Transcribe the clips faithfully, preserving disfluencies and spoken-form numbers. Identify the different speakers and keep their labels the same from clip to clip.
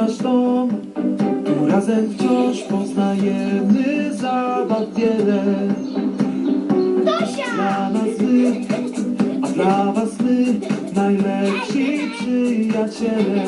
Speaker 1: nasz dom, tu razem wciąż poznajemy zabaw wiele.
Speaker 2: Tosia!
Speaker 1: Dla nas wy, a dla was my, najlepsi przyjaciele.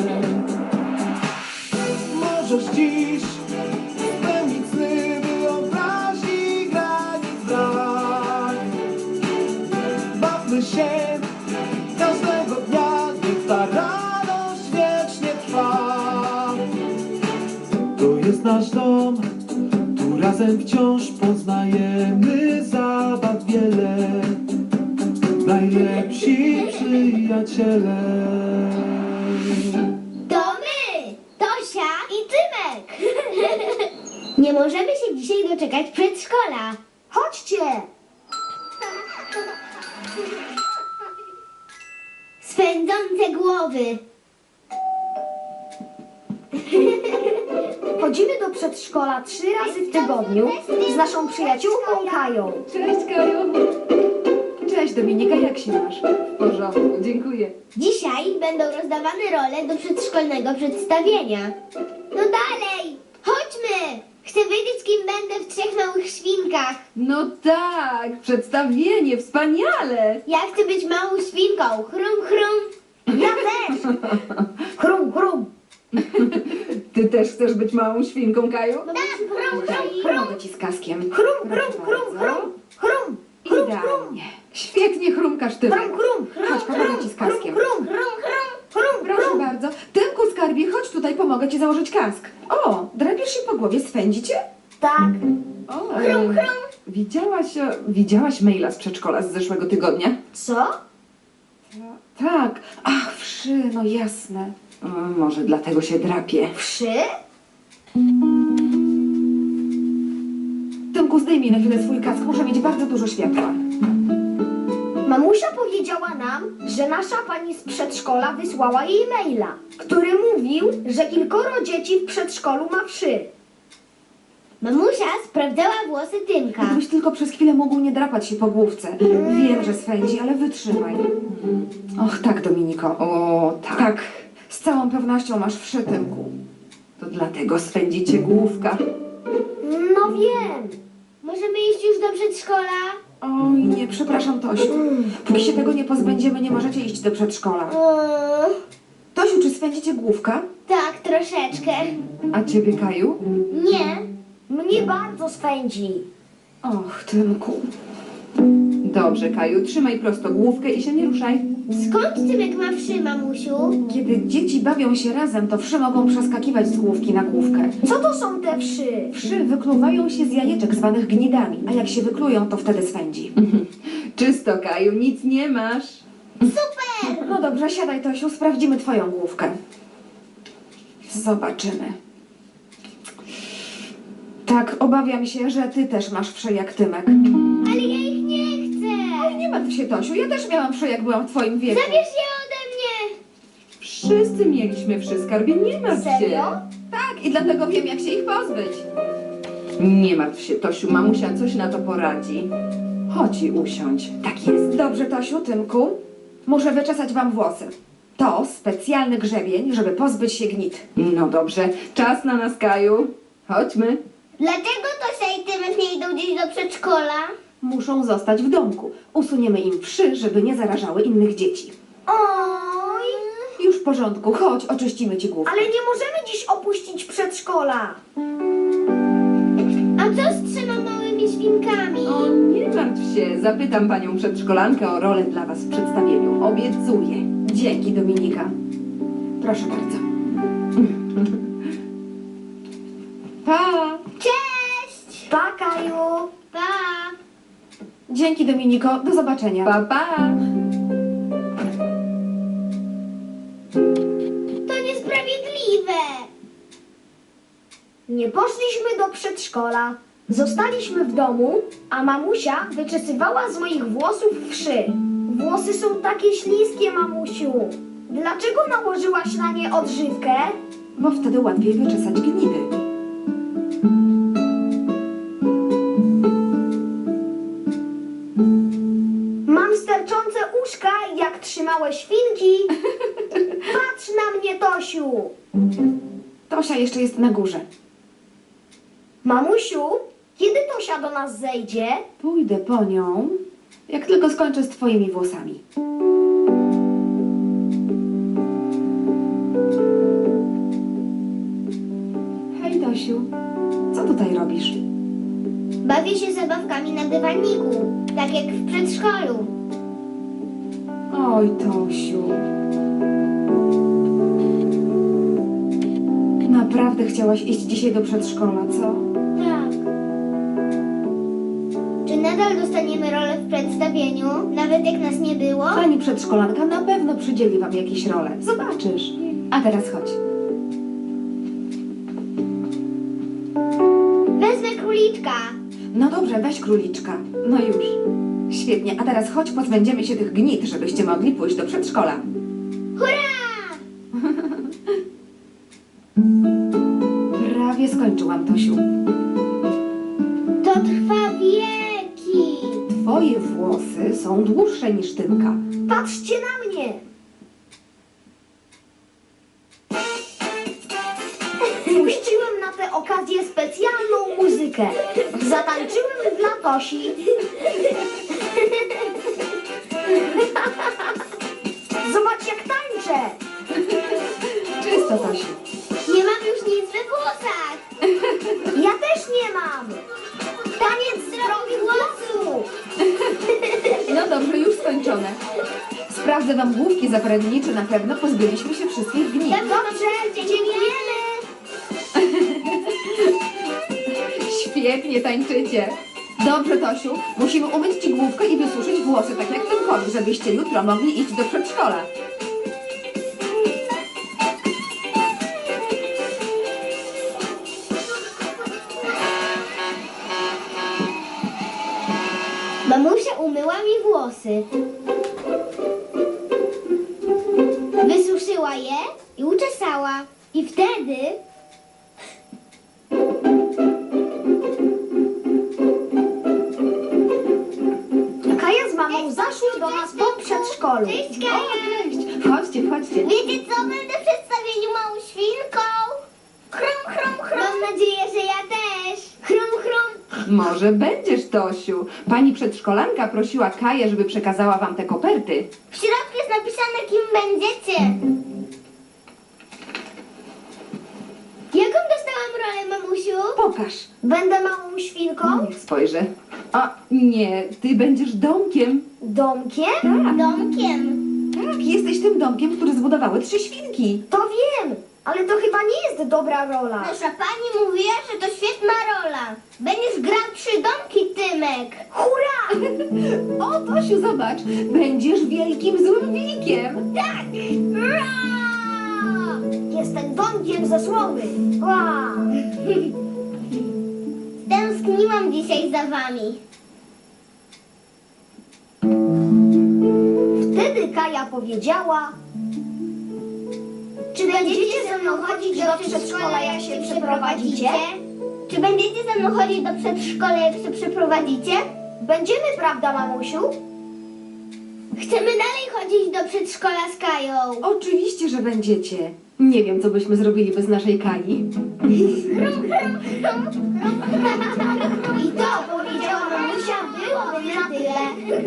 Speaker 1: Możesz dziś spełnić sny, wyobraźni granic brak. Bawmy się każdego dnia, niech ta radość wiecznie trwa. To jest nasz dom, tu razem wciąż poznajemy zabaw wiele. Najlepsi przyjaciele.
Speaker 2: To my! Tosia i Tymek! Nie możemy się dzisiaj doczekać przedszkola. Chodźcie! Swędzące głowy.
Speaker 3: Chodzimy do przedszkola trzy razy w tygodniu z naszą przyjaciółką Kają.
Speaker 4: Cześć, Kaju. Cześć, Dominika, jak się masz? W porządku, dziękuję.
Speaker 2: Dzisiaj będą rozdawane role do przedszkolnego przedstawienia. No dalej! Chodźmy! Chcę wiedzieć, kim będę w Trzech Małych Świnkach.
Speaker 4: No tak, przedstawienie, wspaniale.
Speaker 2: Ja chcę być małą świnką. Chrum, chrum.
Speaker 3: Ja też! Chrum, chrum!
Speaker 4: Ty też chcesz być małą świnką, Kaju?
Speaker 2: Tak, chrum, chrum.
Speaker 4: Pomogę ci z kaskiem.
Speaker 3: Chrum,
Speaker 4: Proszę
Speaker 3: chrum, chrum,
Speaker 4: bardzo.
Speaker 3: chrum! Chrum, chrum, chrum!
Speaker 4: Idealnie. Świetnie chrumkasz, ty.
Speaker 3: Chrum, chrum!
Speaker 4: Chodź, pomogę ci z kaskiem.
Speaker 3: Chrum,
Speaker 2: Chrum, chrum.
Speaker 3: chrum,
Speaker 4: Proszę
Speaker 3: chrum!
Speaker 4: bardzo. Tymku, skarbie, chodź tutaj, pomogę ci założyć kask. O, drapiesz się po głowie, swędzi cię?
Speaker 3: Tak.
Speaker 4: O, chrum, chrum. Widziałaś, e, widziałaś maila z przedszkola z zeszłego tygodnia?
Speaker 3: Co?
Speaker 4: Tak. Ach, wszy, no jasne. O, może dlatego się drapie.
Speaker 3: Wszy?
Speaker 4: Tymku, zdejmij na chwilę swój kask, muszę mieć bardzo dużo światła.
Speaker 3: Mamusia powiedziała nam, że nasza pani z przedszkola wysłała jej maila, który mówił, że kilkoro dzieci w przedszkolu ma wszy.
Speaker 2: Mamusia sprawdzała włosy Tymka.
Speaker 4: Gdybyś tylko przez chwilę mógł nie drapać się po główce. Wiem, że swędzi, ale wytrzymaj. Och, tak, Dominiko. O, tak. Tak, z całą pewnością masz wszy, Tymku. To dlatego swędzi cię główka.
Speaker 3: No wiem.
Speaker 2: Możemy iść już do przedszkola?
Speaker 4: Oj, nie, przepraszam, Tosiu. Póki się tego nie pozbędziemy, nie możecie iść do przedszkola.
Speaker 2: Eee,
Speaker 4: Tosiu, czy swędzi cię główka?
Speaker 2: tak, troszeczkę.
Speaker 4: A ciebie, Kaju?
Speaker 2: Nie.
Speaker 3: Mnie bardzo swędzi.
Speaker 4: Och, Tymku. Dobrze, Kaju, trzymaj prosto główkę i się nie ruszaj.
Speaker 2: Skąd Tymek ma wszy, mamusiu?
Speaker 4: Kiedy dzieci bawią się razem, to wszy mogą przeskakiwać z główki na główkę.
Speaker 3: Co to są te wszy?
Speaker 4: Wszy wykluwają się z jajeczek zwanych gnidami, a jak się wyklują, to wtedy swędzi. Czysto, Kaju, nic nie masz.
Speaker 2: Super!
Speaker 4: No dobrze, siadaj, Tosiu, sprawdzimy twoją główkę. Zobaczymy. Tak, obawiam się, że ty też masz wszy jak Tymek.
Speaker 2: Ale ja ich nie chcę.
Speaker 4: Oj, nie martw się, Tosiu, ja też miałam wszy, jak byłam w twoim wieku.
Speaker 2: Zabierz je ode mnie.
Speaker 4: Wszyscy mieliśmy wszy, skarbie, nie martw się.
Speaker 3: Serio?
Speaker 4: Tak, i dlatego wiem, jak się ich pozbyć. Nie martw się, Tosiu, mamusia coś na to poradzi. Chodź i usiądź. Tak jest. Dobrze, Tosiu, Tymku, muszę wyczesać wam włosy. To specjalny grzebień, żeby pozbyć się gnit. No dobrze, czas na nas, Kaju. Chodźmy.
Speaker 2: Dlaczego Tosia i Tymek nie idą gdzieś do przedszkola?
Speaker 4: Muszą zostać w domku. Usuniemy im wszy, żeby nie zarażały innych dzieci.
Speaker 3: Oj!
Speaker 4: Już w porządku, chodź, oczyścimy ci głowę.
Speaker 3: Ale nie możemy dziś opuścić przedszkola.
Speaker 2: A co z trzema małymi świnkami?
Speaker 4: O, nie martw się, zapytam panią przedszkolankę o rolę dla was w przedstawieniu. Obiecuję. Dzięki, Dominika. Proszę bardzo. Pa!
Speaker 2: Cześć!
Speaker 3: Pa, Kaju.
Speaker 2: Pa!
Speaker 4: Dzięki, Dominiko. Do zobaczenia. Pa, pa!
Speaker 2: To niesprawiedliwe!
Speaker 3: Nie poszliśmy do przedszkola. Zostaliśmy w domu, a mamusia wyczesywała z moich włosów wszy. Włosy są takie śliskie, mamusiu. Dlaczego nałożyłaś na nie odżywkę?
Speaker 4: Bo wtedy łatwiej wyczesać gnidy.
Speaker 3: Mam sterczące uszka, jak trzymałe świnki. Patrz na mnie, Tosiu.
Speaker 4: To Tosia jeszcze jest na górze.
Speaker 3: Mamusiu, kiedy Tosia do nas zejdzie?
Speaker 4: Pójdę po nią, jak tylko skończę z twoimi włosami. Hej, Tosiu, co tutaj robisz?
Speaker 2: Bawię się zabawkami na dywaniku, tak jak w przedszkolu.
Speaker 4: Oj, Tosiu. Naprawdę chciałaś iść dzisiaj do przedszkola, co?
Speaker 2: Tak. Czy nadal dostaniemy rolę w przedstawieniu, nawet jak nas nie było?
Speaker 4: Pani przedszkolanka na pewno przydzieli wam jakieś role. Zobaczysz. A teraz chodź.
Speaker 2: Wezmę króliczka.
Speaker 4: No dobrze, weź króliczka. No już. Świetnie, a teraz chodź, pozbędziemy się tych gnit, żebyście mogli pójść do przedszkola.
Speaker 2: Hurra!
Speaker 4: Prawie skończyłam, Tosiu.
Speaker 2: To trwa wieki.
Speaker 4: Twoje włosy są dłuższe niż Tymka.
Speaker 3: Patrzcie na mnie! Puściłem na tę okazję specjalną muzykę. Zatańczyłem dla Tosi. Zobacz, jak tańczę!
Speaker 4: Czysto, Tosiu.
Speaker 2: Nie mam już nic we włosach.
Speaker 3: Ja też nie mam! Taniec zdrowych włosów!
Speaker 4: No dobrze, już skończone. Sprawdzę wam główki zapewni, czy na pewno pozbyliśmy się wszystkich gnit.
Speaker 3: Dobrze, dziękujemy!
Speaker 4: Świetnie tańczycie. Dobrze, Tosiu, musimy umyć ci główkę i wysuszyć włosy, tak jak Tymkowi, żebyście jutro mogli iść do przedszkola.
Speaker 2: Mamusia umyła mi włosy. Wysuszyła je i uczesała. I wtedy...
Speaker 3: Kaja z mamą zaszły do nas po przedszkolu.
Speaker 2: Cześć, Kaja!
Speaker 4: Cześć, wchodźcie, wchodźcie.
Speaker 2: Wiecie co? Będę w przedstawieniu małą świnką. Chrum, chrum, chrum. Mam nadzieję, że ja też. Chrum, chrum.
Speaker 4: Może będziesz, Tosiu. Pani przedszkolanka prosiła Kaję, żeby przekazała wam te koperty.
Speaker 2: W środku jest napisane, kim będziecie. Jaką dostałam rolę, mamusiu?
Speaker 4: Pokaż.
Speaker 3: Będę małą świnką?
Speaker 4: Niech spojrzę. A nie, ty będziesz domkiem.
Speaker 3: Domkiem?
Speaker 4: Tak,
Speaker 2: Domkiem.
Speaker 4: tak, jesteś tym domkiem, który zbudowały trzy świnki.
Speaker 3: To wiem, ale to chyba nie jest dobra rola.
Speaker 2: Nasza pani mówiła, że to świetna rola. Będziesz grał trzy domki, Tymek.
Speaker 3: Hurra!
Speaker 4: O, Tosiu, zobacz, będziesz wielkim złym wilkiem.
Speaker 2: Tak! Ra!
Speaker 3: Jestem domkiem ze słomy. Ła!
Speaker 2: Tęskniłam dzisiaj za wami.
Speaker 3: Wtedy Kaja powiedziała:
Speaker 2: Czy będziecie ze mną chodzić do przedszkola, jak się przeprowadzicie? Czy będziecie ze mną chodzić do przedszkola, jak się przeprowadzicie?
Speaker 3: Będziemy, prawda, mamusiu?
Speaker 2: Chcemy dalej chodzić do przedszkola z Kają.
Speaker 4: Oczywiście, że będziecie. Nie wiem, co byśmy zrobili bez naszej Kai.
Speaker 2: I to, powiedziała mamusia, byłoby na tyle.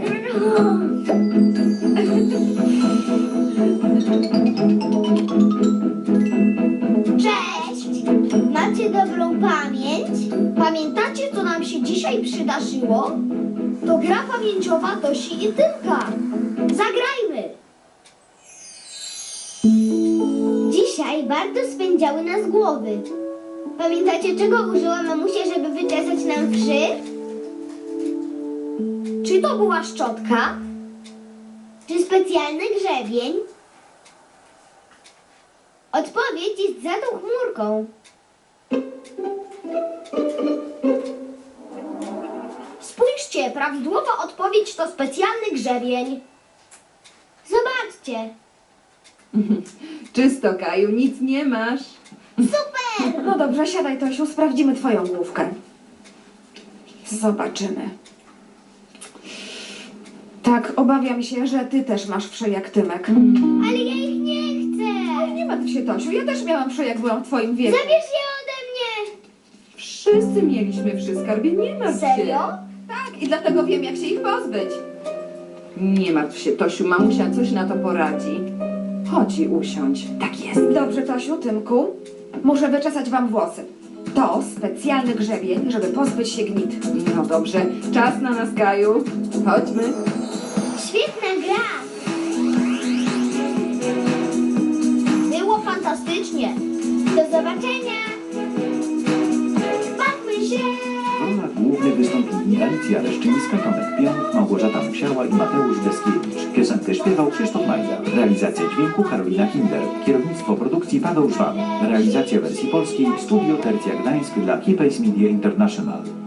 Speaker 2: Cześć! Macie dobrą pamięć?
Speaker 3: Pamiętacie, co nam się dzisiaj przydarzyło? To gra pamięciowa Tosi i Tymka. Zagrajmy!
Speaker 2: Dzisiaj bardzo spędziały nas głowy. Pamiętacie, czego użyła mamusia, żeby wyczesać nam wszy?
Speaker 3: Czy to była szczotka?
Speaker 2: Czy specjalny grzebień? Odpowiedź jest za tą chmurką.
Speaker 3: Spójrzcie, prawidłowa odpowiedź to specjalny grzebień.
Speaker 2: Zobaczcie.
Speaker 4: Czysto, Kaju, nic nie masz.
Speaker 2: Super!
Speaker 4: No dobrze, siadaj, Tosiu, sprawdzimy twoją główkę. Zobaczymy. Tak, obawiam się, że ty też masz wszy jak Tymek.
Speaker 2: Ale ja ich nie chcę.
Speaker 4: Nie martw się, Tosiu. Ja też miałam wszy, jak byłam w twoim wieku.
Speaker 2: Zabierz je ode mnie!
Speaker 4: Wszyscy mieliśmy wszy, skarbie, nie martw się.
Speaker 3: Serio?
Speaker 4: Tak, i dlatego wiem, jak się ich pozbyć. Nie martw się, Tosiu, mamusia coś na to poradzi. Chodź i usiądź. Tak jest. Dobrze, Tosiu, Tymku. Muszę wyczesać wam włosy. To specjalny grzebień, żeby pozbyć się gnit. No dobrze, czas na nas, Kaju. Chodźmy.
Speaker 2: Świetna gra! Było fantastycznie. Do zobaczenia! Bawmy się!
Speaker 5: W rolach głównych wystąpili Alicja Leszczyńska, Tomek Pionk, Małgorzata Musiała i Mateusz Deskiewicz. Piosenkę śpiewał Krzysztof Majda. Realizacja dźwięku Karolina Kinder. Kierownictwo produkcji Paweł Żwan. Realizacja wersji polskiej Studio Tercja Gdańsk dla Keypace Media International.